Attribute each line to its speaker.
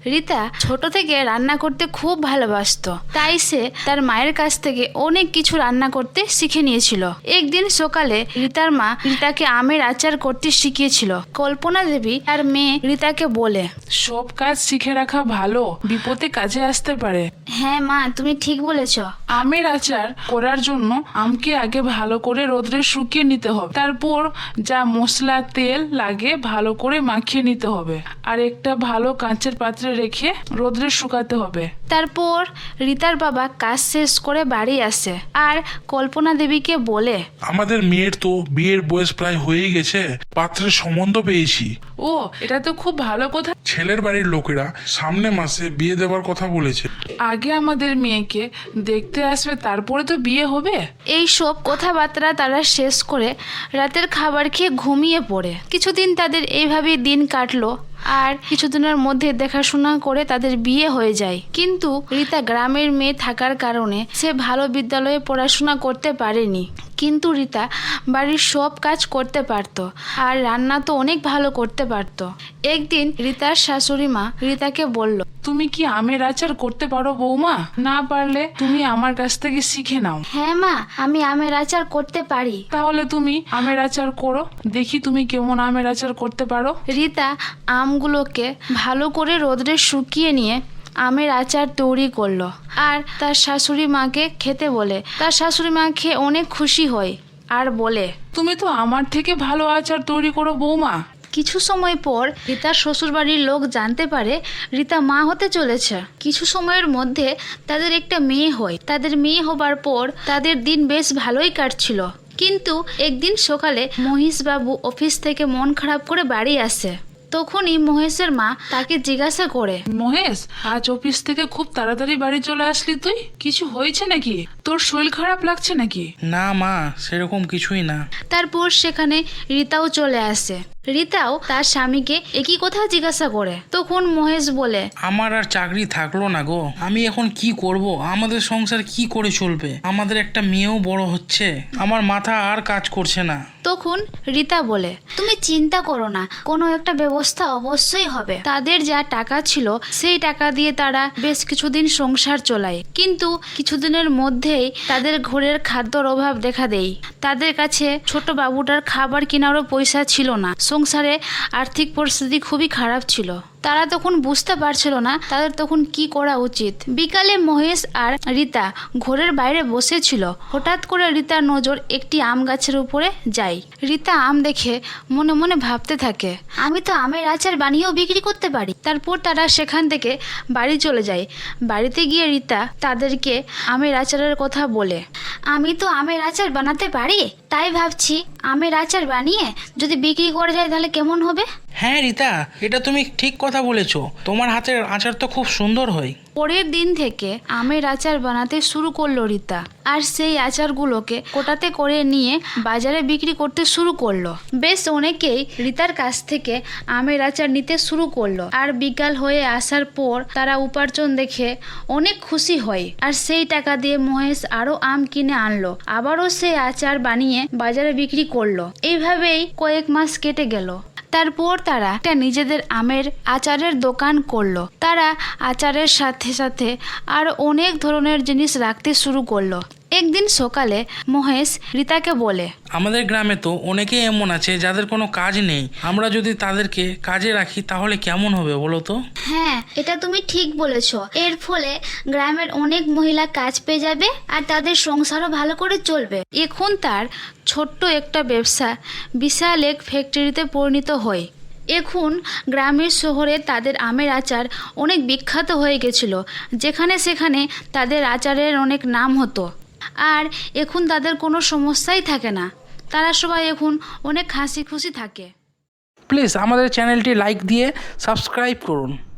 Speaker 1: রিতা ছোট থেকে রান্না করতে খুব ভালোবাসতো, তাই সে তার মায়ের কাছ থেকে অনেক কিছু রান্না করতে শিখে নিয়েছিল। একদিন সকালে রিতার মা রিতাকে আমের আচার করতে শিখিয়েছিল। কল্পনা দেবী তার মেয়ে রিতাকে বলে,
Speaker 2: সব কাজ শিখে রাখা ভালো, বিপদে কাজে আসতে পারে।
Speaker 1: হ্যাঁ মা, তুমি ঠিক বলেছ।
Speaker 2: আমের আচার করার জন্য আমকে আগে ভালো করে রোদ্রে শুকিয়ে নিতে হবে, তারপর যা মশলা তেল লাগে ভালো করে মাখিয়ে নিতে হবে, আর একটা ভালো কাঁচের পাত্রে রেখে রোদ্রে শুকাতে হবে।
Speaker 1: তারপর রিতার বাবা কাজ শেষ করে বাড়ি আসে আর কল্পনা দেবীকে বলে,
Speaker 3: আমাদের মেয়ের তো বিয়ের বয়স প্রায় হয়ে গেছে, পাত্রের সম্বন্ধ পেয়েছি।
Speaker 2: ও, এটা তো খুব ভালো কথা।
Speaker 3: ছেলের বাড়ির লোকেরা সামনে মাসে বিয়ে দেওয়ার কথা বলেছে।
Speaker 2: আগে আমাদের মেয়েকে দেখতে আসবে, তারপরে তো বিয়ে হবে।
Speaker 1: এই সব কথাবার্তা তারা শেষ করে রাতের খাবার খেয়ে ঘুমিয়ে পড়ে। কিছুদিন তাদের এইভাবেই দিন কাটলো আর কিছুদিনের মধ্যে দেখাশোনা করে তাদের বিয়ে হয়ে যায়। কিন্তু রিতা গ্রামের মেয়ে থাকার কারণে সে ভালো বিদ্যালয়ে পড়াশোনা করতে পারেনি। কিন্তু রিতা বাড়ির সব কাজ করতে পারত আর রান্না তো অনেক ভালো করতে পারত। একদিন রিতার শাশুড়ি মা রিতাকে বলল,
Speaker 2: তুমি কি আমের আচার করতে পারো বৌমা? না পারলে তুমি আমার কাছ থেকে শিখে নাও।
Speaker 1: হ্যাঁ মা, আমি আমের আচার করতে পারি।
Speaker 2: তাহলে তুমি আমের আচার করো, দেখি তুমি কেমন আমের আচার করতে পারো।
Speaker 1: রিতা আমগুলোকে ভালো করে রোদ্রে শুকিয়ে নিয়ে আমের আচার তৈরি করলো আর তার শাশুড়ি মাকে খেতে বলে। তার শাশুড়ি মা খেয়ে অনেক খুশি হয় আর বলে,
Speaker 2: তুমি তো আমার থেকে ভালো আচার তৈরি করো বৌমা।
Speaker 1: কিছু সময় পর রিতার শ্বশুরবাড়ির লোক জানতে পারে রিতা মা হতে চলেছে। কিছু সময়ের মধ্যে তাদের একটা মেয়ে হয়। তাদের মেয়ে হবার পর তাদের দিন বেশ ভালোই কাটছিল। কিন্তু একদিন সকালে মহেশবাবু অফিস থেকে মন খারাপ করে বাড়ি আসে। তখনই মহেশের মা তাকে জিজ্ঞাসা করে,
Speaker 2: মহেশ, আজ অফিস থেকে খুব তাড়াতাড়ি বাড়ি চলে আসলি তুই? কিছু হয়েছে নাকি? তোর শরীর খারাপ লাগছে নাকি?
Speaker 4: না মা, সেরকম কিছুই না।
Speaker 1: তারপর সেখানে রিতাও চলে আসে। রিতাও তার স্বামীকে একই কথা জিজ্ঞাসা করে। তখন মহেশ বলে,
Speaker 4: আমার আর চাকরি থাকলো না গো, আমি এখন কি করব? আমাদের সংসার কি করে চলবে? আমাদের একটা মেয়েও বড় হচ্ছে, আমার মাথা আর কাজ করছে না।
Speaker 1: তখন রিতা বলে, তুমি চিন্তা করো না, কোনো একটা ব্যবস্থা অবশ্যই হবে। তাদের যা টাকা ছিল সেই টাকা দিয়ে তারা বেশ কিছুদিন সংসার চলায়। কিন্তু কিছুদিনের মধ্যেই তাদের ঘরের খাদ্যর অভাব দেখা দেয়। তাদের কাছে ছোট বাবুটার খাবার কেনারও পয়সা ছিল না। সংসারে আর্থিক পরিস্থিতি খুবই খারাপ ছিল। তারা তখন বুঝতে পারছিল না তাদের তখন কি করা উচিত। বিকালে মহেশ আর রিতা ঘরের বাইরে বসেছিল। হঠাৎ করে রিতার নজর একটি আম গাছের উপরে যায়। রিতা আম দেখে মনে মনে ভাবতে থাকে, আমি তো আমের আচার বানিয়েও বিক্রি করতে পারি। তারপর তারা সেখান থেকে বাড়ি চলে যায়। বাড়িতে গিয়ে রিতা তাদেরকে আমের আচারের কথা বলে, আমি তো আমের আচার বানাতে পারি, তাই ভাবছি আমের আচার বানিয়ে যদি বিক্রি করা যায় তাহলে কেমন হবে।
Speaker 4: হ্যাঁ রিতা, এটা তুমি ঠিক কথা বলেছো, তোমার হাতের আচার তো খুব সুন্দর হয়।
Speaker 1: পরের দিন থেকে আমের আচার বানাতে শুরু করলো রিতা, আর সেই আচারগুলোকে কোটাতে করে নিয়ে বাজারে বিক্রি করতে শুরু করলো। বেশ অনেকেই রিতার কাছ থেকে আমের আচার নিতে শুরু করলো। আর বিকাল হয়ে আসার পর তারা উপার্জন দেখে অনেক খুশি হয়। আর সেই টাকা দিয়ে মহেশ আরো আম কিনে আনলো, আবারও সেই আচার বানিয়ে বাজারে বিক্রি করলো। এইভাবেই কয়েক মাস কেটে গেল। তারপর তারা একটা নিজেদের আমের আচারের দোকান করলো। তারা আচারের সাথে সাথে আর অনেক ধরনের জিনিস রাখতে শুরু করলো। একদিন সকালে মহেশ রিতাকে বলে,
Speaker 4: আমাদের গ্রামে তো অনেকেই এমন আছে যাদের কোনো কাজ নেই, আমরা যদি তাদেরকে কাজে রাখি তাহলে কেমন হবে বলো তো?
Speaker 5: হ্যাঁ, এটা তুমি ঠিক বলেছো। এর ফলে গ্রামের অনেক মহিলা কাজ পেয়ে যাবে আর তাদের সংসারও ভালো করে চলবে।
Speaker 1: এখন তার ছোট্ট একটা ব্যবসা বিশাল এক ফ্যাক্টরিতে পরিণত হয়। এখন গ্রামের শহরে তাদের আমের আচার অনেক বিখ্যাত হয়ে গেছিল। যেখানে সেখানে তাদের আচারের অনেক নাম হতো। আর এখন তাদের কোনো সমস্যাই থাকে না। তারা সবাই এখন অনেক হাসি খুশি থাকে।
Speaker 4: প্লিজ আমাদের চ্যানেলটি লাইক দিয়ে সাবস্ক্রাইব করুন।